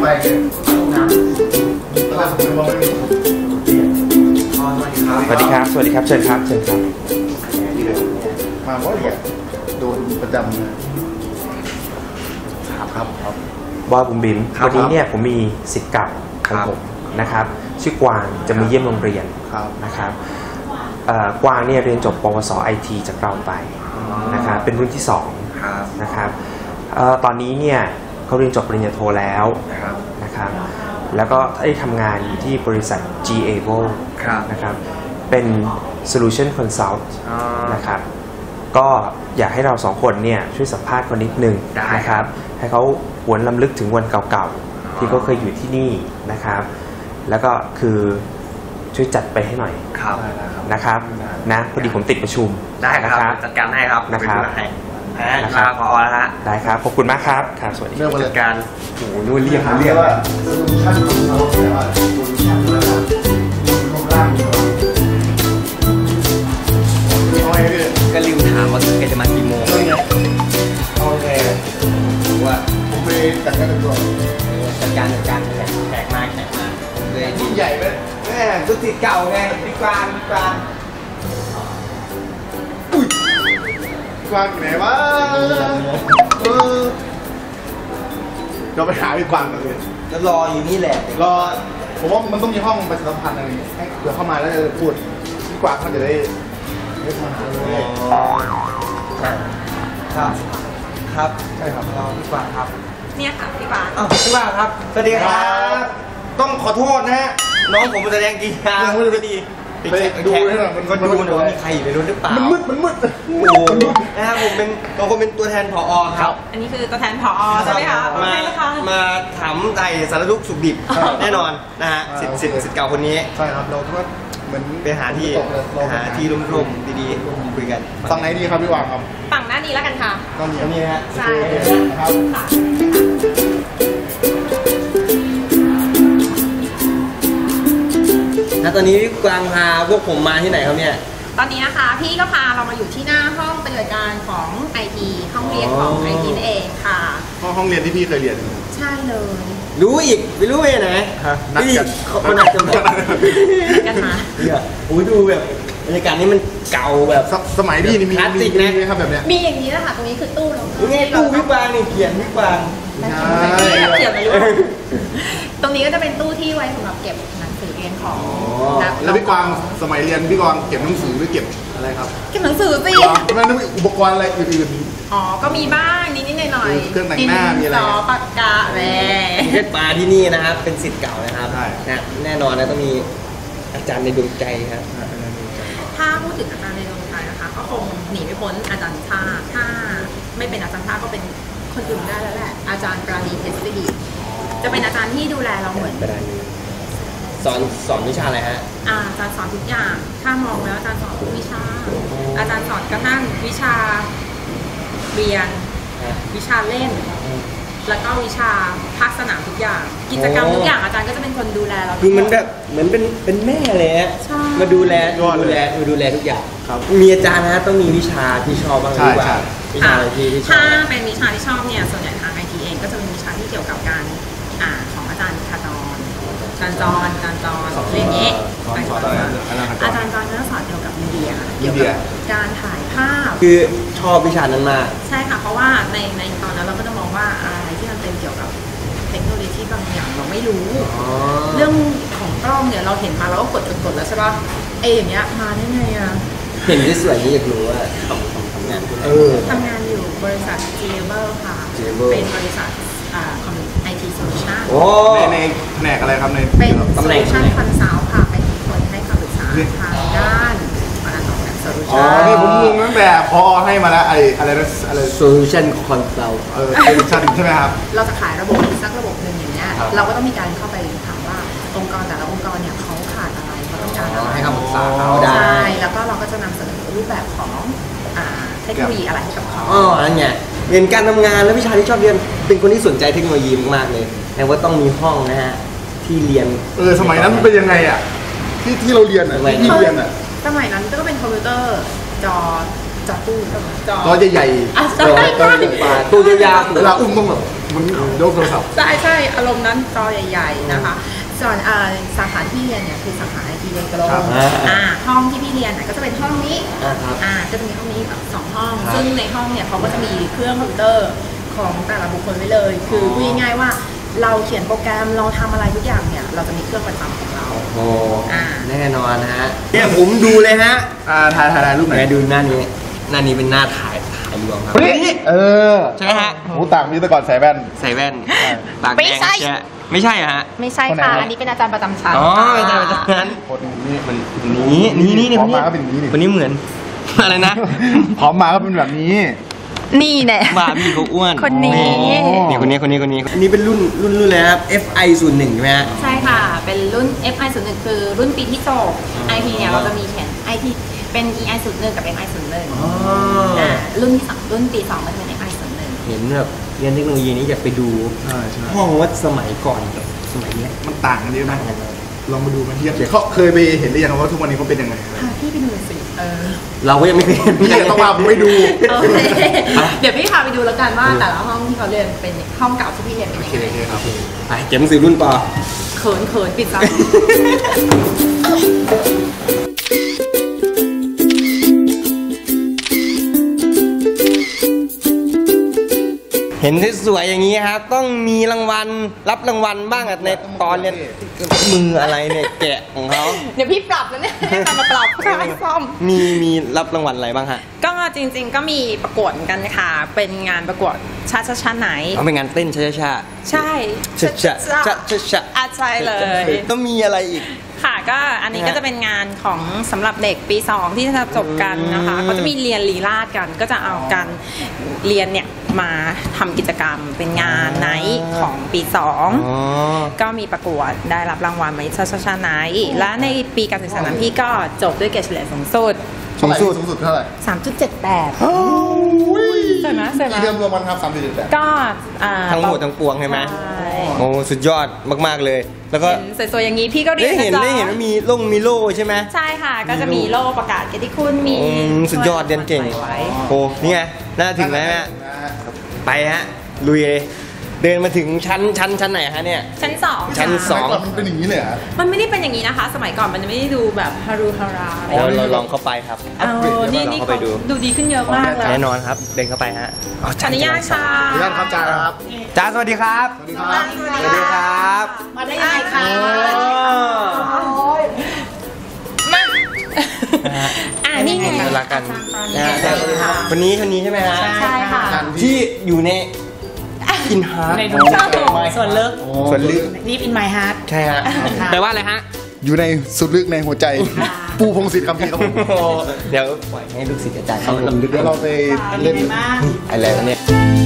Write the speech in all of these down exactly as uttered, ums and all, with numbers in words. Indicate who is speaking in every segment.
Speaker 1: ไปน้ำแล้วก็สมุนไพร
Speaker 2: สวัสดีครับสวัสดีครับเชิญครับเชิญครับ
Speaker 1: มาว่าอยากโดนประจำครับครับครับ
Speaker 2: บอยบุ๋มบิ๋มวันนี้เนี่ยผมมีศิษย์เก่าของผมนะครับชื่อกวางจะมาเยี่ยมโรงเรียนนะครับกวางเนี่ยเรียนจบปวส ไอ ที จากเราไปนะครับเป็นรุ่นที่สองนะครับตอนนี้เนี่ยเขาเรียนจบปริญญาโทแล้วนะครับแล้วก็ได้ทำงานอยู่ที่บริษัท จี เอ โว นะครับเป็น Solution Consult นะครับก็อยากให้เราสองคนเนี่ยช่วยสัมภาษณ์คนนิดนึงนะครับให้เขาหวนรำลึกถึงวันเก่าๆที่เขาเคยอยู่ที่นี่นะครับแล้วก็คือช่วยจัดไปให้หน่อยนะครับนะพอดีผมติดประชุม
Speaker 3: ได้ครับจัดการให้ครับ
Speaker 2: นะครับ
Speaker 3: นะครับพอแล้วฮะ
Speaker 2: ได้ครับขอบคุณมากครับครับสวัสดี
Speaker 3: เรื่องจัดการ
Speaker 2: โอ้โหนู่นเรียกเรียก
Speaker 1: ว่าโซลูชั่นของเขาแต่ว่าโซลูชั่นนะครับรูปร่าง
Speaker 3: ก็ลืมถามว่าแกจะมากี่โมง
Speaker 1: โอเคว่าผมไปจัดการตัว
Speaker 3: จัดการจัดการแขกมาแขกมา
Speaker 1: เลยยิ่งใหญ่ไหม
Speaker 3: แม่สุดที่เก่าไงพี่กวางพี่กวาง
Speaker 1: อุ้ยกวางไหนวะเออเราไปหาพี่กวางกันเลย
Speaker 3: จะรออยู่นี่แหละ
Speaker 1: รอผมว่ามันต้องมีห้องประชาสัมพันธ์อะไรอย่างเงี้ยให้เผื่อเข้ามาแล้วจะพูดพี่กวางเขาจะได้ได้มาหาเลย
Speaker 3: ครับครับ
Speaker 1: ใช่ครับ
Speaker 3: รอพี่กวางครับ
Speaker 4: เนี่ยค่ะพี่กวาง
Speaker 3: อ้าวพี่กวางครับสวัสดีครับต้องขอโทษนะฮะน้องผมแสดงกีฬาไม่ดี
Speaker 1: ไปดูให้หน่อย
Speaker 3: มันก็ดูหน่อยมีใครอยู่ในรถหรือเปล่า
Speaker 1: มันมืดมันมืด
Speaker 3: โอ้นะครับผมเป็นบางคนเป็นตัวแทนผอ.ครับ
Speaker 4: อันนี้คือตัวแทนผอ.ใช่ไหมคะ
Speaker 3: มามาถามไต่สารทุกข์สุขดิบแน่นอนนะฮะสิทธิ์สิทธิ์สิทธิ์เก่าคนนี้
Speaker 1: ใช่ครับเราก็เหมือน
Speaker 3: ไปหาที่หาที่ร่มๆดีๆคุยกัน
Speaker 1: ฝั่งไหนดีครับพี่วางครับ
Speaker 4: ฝั่งหน้านี้แล้วกันค่ะ
Speaker 1: ตรง
Speaker 3: นี้ฮะ
Speaker 4: ใช่
Speaker 1: ครับ
Speaker 3: แล้วตอนนี้พี่กวางพาพวกผมมาที่ไหนครับเนี่ย
Speaker 4: ตอนนี้นะคะพี่ก็พาเรามาอยู่ที่หน้าห้องปฏิบัติการของ ไอ ที ห้องเรียนของ ไอ ที นั่นเองค่ะ
Speaker 1: ห้องห้องเรียนที่พี่เคยเรียน
Speaker 4: ใช่เลย
Speaker 3: รู้อีกไม่รู้ไปไหน
Speaker 1: นัดกัน
Speaker 3: เขานัดกันแบบ
Speaker 4: กันมา
Speaker 3: เนี่ยโอ้ยดูแบบบรรยากาศนี้มันเก่าแบบ
Speaker 1: สมัยพี่นี่มี
Speaker 3: คลาสสิกนะ
Speaker 1: ครับแบบเนี้ย
Speaker 4: มีอย่างนี้แหละค่ะตรงนี้คือตู้เรา
Speaker 3: นี่ตู้พี่กวางนี่เขียนพี่กวาง
Speaker 4: เขียนมาอยู่ตรงนี้ก็จะเป็นตู้ที่ไว้สำหรับเก็บหนังสือเรียนของ
Speaker 1: แล้วพี่กวางสมัยเรียนพี่กวางเก็บหนังสือหรือเก็บอะไรครับ
Speaker 4: เก็บหนังสือสิ
Speaker 1: ทำไมต้องมีอุปกรณ์อะไรอื่น
Speaker 4: ๆอ๋อก็มีบ้างนิดๆหน่อย
Speaker 1: ๆเครื่องแต่งหน้ามีอะไร
Speaker 4: ปากกาแหวน
Speaker 3: เพชรปลาที่นี่นะครับเป็นศิษย์เก่านะครับนะแน่นอนนะต้องมีอาจารย์ในดวงใจครับ
Speaker 4: ถ้าพูดถึงอาจารย์ในดวงใจนะคะก็คงหนีไม่พ้นอาจารย์ชาถ้าไม่เป็นอาจารย์ชาก็เป็นคนอื่นได้แล้วแหละอาจารย์ปราณีเพชรศรีจะเป็นอาจารย์ที่ดูแลเราเหมือน
Speaker 3: สอนสอนวิชาอะไรฮะ
Speaker 4: อาจารย์สอนทุกอย่างถ้ามองแล้วอาจารย์สอนทุกวิชาอาจารย์สอนกระทั่งวิชาเรียนวิชาเล่นแล้วก็วิชาภาคสนามทุกอย่างกิจกรรมทุกอย่างอาจารย์ก็จะเป็นคนดูแลเรา
Speaker 3: คือมันแบบเหมือนเป็นเป็นแม่เลยฮะมาดูแลดูแลดูแลทุกอย่างมีอาจารย์นะต้องมีวิชาที่ชอบบ้างหรือเปล่าวิชาที่ชอบ
Speaker 4: ถ้าเป็นวิชาที่ชอบเนี่ยส่วนใหญ่ทาง ไอ ที เองก็จะเป็นวิชาที่เกี่ยวกับการอ่าของอาจารย์คาจรการจรการจรเรื่องนี้อาจารย์จรก็จะสอนเกี่ยวกับมีเดียเกี่ยวกับการถ่ายภาพ
Speaker 3: คือชอบวิชานั้นมาก
Speaker 4: ใช่ค่ะเพราะว่าในในตอนนั้นเราก็จะมองว่าอะไรที่มันเป็นเกี่ยวกับเทคโนโลยีบางอย่างเราไม่รู้เรื่องของกล้องเนี่ยเราเห็นมาเราก็กดกดแล้วใช่ป่ะเออย่างเงี้ยมาได้ไงอ่ะ
Speaker 3: เห็นที่สวยนี้อยากรู้ว่าทำทำงาน
Speaker 4: ทำงานอยู่บริษัท จี เอ บี ค่ะเป็นบริษัทไอ ที Solution
Speaker 1: ในในแผนกอะไรครับใน
Speaker 4: เป็น Solution Consult ค่ะเป็นคนให้คำปรึกษาทางด้านการออกแบบ Solution
Speaker 1: อ๋อนี่ผมงงตั้งแต่พอให้มาแล้วไออะไรนะอะไร
Speaker 3: Solution Consult
Speaker 1: เออ Solution ใช่ไหมครับ
Speaker 4: เราจะขายระบบสักระบบหนึ่งอย่างเงี้ยเราก็ต้องมีการเข้าไปถามว่าองค์กรแต่ละองค์กรเนี่ยเขาขาดอะไรเขาต้องการอะไร
Speaker 3: ให้คำปรึกษาเขาได้
Speaker 4: ใช่แล้วก็เราก็จะนำเสนอรูปแบบของเทคโนโลยีอะไรให้กับเขา
Speaker 3: อ๋อนั่นไงเรียนการทำงานและวิชาที่ชอบเรียนเป็นคนที่สนใจเทคโนโลยีมากๆเลยแต่ว่าต้องมีห้องนะฮะที่เรียน
Speaker 1: เออสมัยนั้นมันเป็นยังไงอ่ะที่ที่เราเรียนอ่ะที่เรียนอ่ะ
Speaker 4: สมัยนั้นก็เป็นคอมพิวเตอร์จอจอตู้
Speaker 1: จอใหญ่ๆ
Speaker 4: จอใหญ่
Speaker 3: ๆตู้ยาวๆ
Speaker 1: เวลาอุ้มต้องแบบมันยกโทรศัพท์
Speaker 4: ใช่ใช่อารมณ์นั้นจอใหญ่ๆนะคะส่วนสาขาที่เรียนเนี่ยคือสาขาไอทีเรียนกระโดดอ่าห้องที่พี่เรียนก็จะเป็นห้องนี้อ่าก็จะมีห้องนี้แบบสองห้องซึ่งในห้องเนี่ยเขาก็จะมีเครื่องคอมพิวเตอร์ของแต่ละบุคคลไว้เลยคือพูดง่ายๆว่าเราเขียนโปรแกรมเราทำอะไรทุกอย่างเนี่ยเราจะมีเครื่องประจำของเรา
Speaker 3: โอ้แน่นอนนะฮะเนี่ยผมดูเลยฮะ
Speaker 1: อ่าถ่ายถ่ายรูปไหน
Speaker 3: ดูหน้านี้หน้านี้เป็นหน้าถ่ายถ่ายรวมครับ
Speaker 1: เออ
Speaker 3: ใช่ไหมฮะ
Speaker 1: หูต่างมีแต่ก่อนใส่แว่น
Speaker 3: ใส่แว่นปากแดงใช่ไม่ใช่ฮะ
Speaker 4: ไม่ใช่ค่ะอันนี้เป็นอาจารย์ประจำชั้น
Speaker 3: อ๋ออาจารย์ประจำชั้น
Speaker 1: คนนี้มัน
Speaker 3: นี้นี่นี่นี่คนนี้คนนี้เหมือนอะไรนะ
Speaker 1: พร้อมมาก็เป็นแบบนี้
Speaker 4: นี่แหละ
Speaker 3: บ้าพี่เขาอ้วน
Speaker 4: คนนี้
Speaker 3: นี่คนนี้คนนี้คนนี้อันนี้เป็นรุ่นรุ่นรุ่นเลยครับ เอฟ ไอ ศูนย์หนึ่งใช่ไหมฮะ
Speaker 4: ใช่ค่ะเป็นรุ่น เอฟ ไอ ศูนย์หนึ่งคือรุ่นปีที่จบ ไอ ที เนี่ยเราจะมีเขียน ไอ ที เป็น อี ไอ ศูนย์หนึ่งกับ เอฟ ไอ ศูนย์หนึ่งอ่ารุ่นที่สองรุ่นปีสองมันเป็น เอฟ ไอ ศูนย์หนึ่ง
Speaker 3: เห็นแบบเรียนเทคโนโลยีนี้อยากไปดูห้องวัดสมัยก่อนกับสมัยนี้
Speaker 1: มันต่างกันเยอะนะลองมาดูมาเทียบเขาเคยไปเห็นหรือยังว่าทุกวันนี้เขาเป็นยังไง
Speaker 4: พี่ไปดูสิเออ
Speaker 3: เราก็ยังไม่เคยเห็น
Speaker 1: พี่ต้องพาผมไปดู
Speaker 4: เดี๋ยวพี่พาไปดูแล้วกันว่าแต่ละห้องที่เขาเรียนเป็นห้องเก่าที่พี่เรียนเป็นยังไง
Speaker 1: ครับ
Speaker 3: ไปเก็บหนังสือรุ่นปอ
Speaker 4: เขินเขินปิดซับ
Speaker 3: เห็นสวยอย่างนี้ครับต้องมีรางวัลรับรางวัลบ้างในตอนเรียนมืออะไรเนี่ยแกะของเขา
Speaker 4: เดี๋ยวพี่ปรับแล้วเนี่ยมาปรับค่ะซ่อม
Speaker 3: มีมีรับรางวัลอะไรบ้างฮะ
Speaker 4: ก็จริงๆก็มีประกวดกันค่ะเป็นงานประกวดชาชาชาไหน
Speaker 3: เอาเป็นงานเต้นชาชา
Speaker 4: ใช่
Speaker 3: ชาชาชาชาชา
Speaker 4: อาใช่เลย
Speaker 3: ต้องมีอะไรอีก
Speaker 4: ค่ะก็อันนี้ก็จะเป็นงานของสำหรับเด็กปีสองที่จะจบกันนะคะเขาจะมีเรียนลีลาศกันก็จะเอาการเรียนเนี่ยมาทำกิจกรรมเป็นงานไนท์ของปีสองก็มีประกวดได้รับรางวัลมาชาชาชาไนท์และในปีการศึกษานั้นพี่ก็จบด้วยเกรดเฉลี่ยสูงสุด
Speaker 1: สูงสุดสูงสุดเท่าไหร่
Speaker 4: สามจุดเจ็ดแปดใช่ไหมใช่ไหม
Speaker 1: เรียมรวมมันครับสามจุดเจ็ดแปด
Speaker 4: ก็
Speaker 3: ทั้งหมดทั้งปวงใช่ไหมโอ้สุดยอดมากๆเลยแล้วก็
Speaker 4: สวยๆอย่างนี้พี่ก็เรียน
Speaker 3: ได้เห็นได้เห็นว่ามีลงมีโล่ใช่ไหม
Speaker 4: ใช่ค่ะก็จะมีโล่ประกาศเกียรติคุณมี
Speaker 3: สุดยอดเรียนเก่งโอ้นี่ไงน่าถึงแล้วฮะไปฮะลุยเลยเดินมาถึงชั้นชั้นชั้นไหนฮะเนี่ย
Speaker 4: ชั้นสอง
Speaker 3: ชั้นสอง
Speaker 1: มันเป็นอย่างนี้เลยเหรอ
Speaker 4: มันไม่ได้เป็นอย่างนี้นะคะสมัยก่อนมันไม่ได้ดูแบบฮารุฮารา
Speaker 3: เราเราลองเข้าไปครับ
Speaker 4: เอานี่นี่เขาดูดีขึ้นเยอะมากเลย
Speaker 3: แน่นอนครับเดินเข้าไปฮะ
Speaker 4: อนุญาตค่ะ
Speaker 1: อนุญาตครับจ้าครับ
Speaker 3: จ้าสวัสดีครับ
Speaker 1: สวัสดีครับ
Speaker 3: สวัสดีครับ
Speaker 4: มาได้ยังไงคะมาอ่านี่ไง
Speaker 3: รักกันคนนี้คนนี้ใช่ไหมฮะ
Speaker 4: ใช่ค่ะ
Speaker 3: ที่อยู่ในอินฮาร์ด
Speaker 4: ในส่วนลึก
Speaker 3: ส่วนลึก
Speaker 4: นี่อินไมฮาร์ด
Speaker 3: ใช่ฮะแปลว่าอะไรฮะ
Speaker 1: อยู่ในสุดลึกในหัวใจปูพงศิษฐ์คำพีครับผม
Speaker 3: เดี๋ยวปล่อยให้ลูกศิษย์อาจารย์เขาลำลึก
Speaker 1: เดี๋ยวเราไปเล่น
Speaker 3: อะไรเนี่ย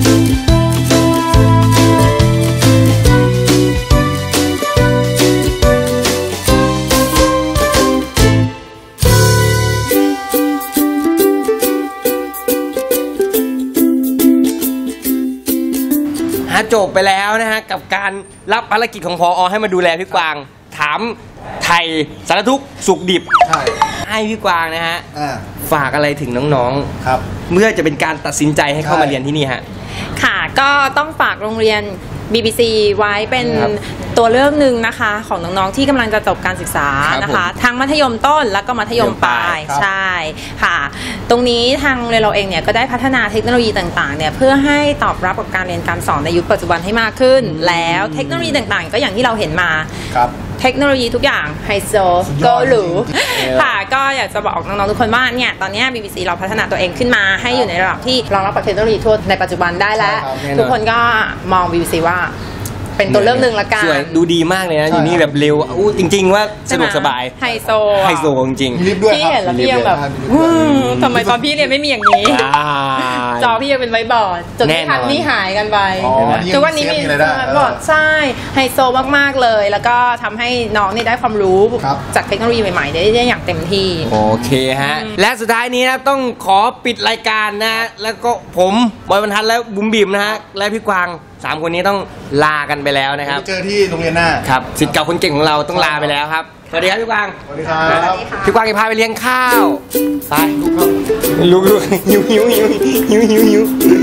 Speaker 3: จบไปแล้วนะฮะกับการรับภารกิจของพอให้มาดูแลพี่กวางถามไทยสารทุกข์สุขดิบใช่ให้พี่กวางนะฮะฝากอะไรถึงน้องๆครับเมื่อจะเป็นการตัดสินใจให้เข้ามาเรียนที่นี่ฮะ
Speaker 4: ค่ะก็ต้องฝากโรงเรียน บี บี ซี ไว้เป็นตัวเลือกหนึ่งนะคะของน้องๆที่กำลังจะจบการศึกษานะคะทั้งมัธยมต้นแล้วก็มัธยมปลายใช่ค่ะตรงนี้ทางโรงเรียนเราเองเนี่ยก็ได้พัฒนาเทคโนโลยีต่างๆเนี่ยเพื่อให้ตอบรับกับการเรียนการสอนในยุคปัจจุบันให้มากขึ้นแล้วเทคโนโลยีต่างๆก็อย่างที่เราเห็นมาเทคโนโลยีทุกอย่างไฮโซก็หรูค่ะก็อยากจะบอกน้องๆทุกคนว่าเนี่ยตอนนี้ บี บี ซี เราพัฒนาตัวเองขึ้นมาให้อยู่ในระดับที่รองรับกับเทคโนโลยีทั่วในปัจจุบันได้แล้วทุกคนก็มอง บี บี ซี ว่าเป็นตัวเลือกหนึ่งละกัน
Speaker 3: สวยดูดีมากเลยนะอยู่นี่แบบเร็วอู้จริงๆว่าสะดวกสบาย
Speaker 4: ไฮโซ
Speaker 3: ไฮโซจริง
Speaker 1: ๆ
Speaker 4: พี่เห็นแล้วพี่ยังแบบทำไมตอนพี่เรียนไม่มีอย่างนี้จอพี่ยังเป็นไวบอร์ดจนที่ทันนี่หายกันไปทุกวันนี้มีบอร์ดใช่ไฮโซมากๆเลยแล้วก็ทำให้น้องนี่ได้ความรู้จากเทคโนโลยีใหม่ๆได้อย่างเต็มที่
Speaker 3: โอเคฮะและสุดท้ายนี้นะต้องขอปิดรายการนะแล้วก็ผมบอยบรรทัดและบุ๋มบิ๋มนะฮะและพี่กวางสามคนนี้ต้องลากันไปแล้วนะครับ
Speaker 1: เจอที่โรงเรียนหน้า
Speaker 3: ครับศิษย์เก่าคนเก่งของเราต้องลาไปแล้วครับสวัสดีครับพี่กวาง
Speaker 1: สวัสดีครับ
Speaker 3: พี่กวางจะพาไปเลี้ยงข้าวไปลูกหิวหิวหิวหิวหิวหิวหิว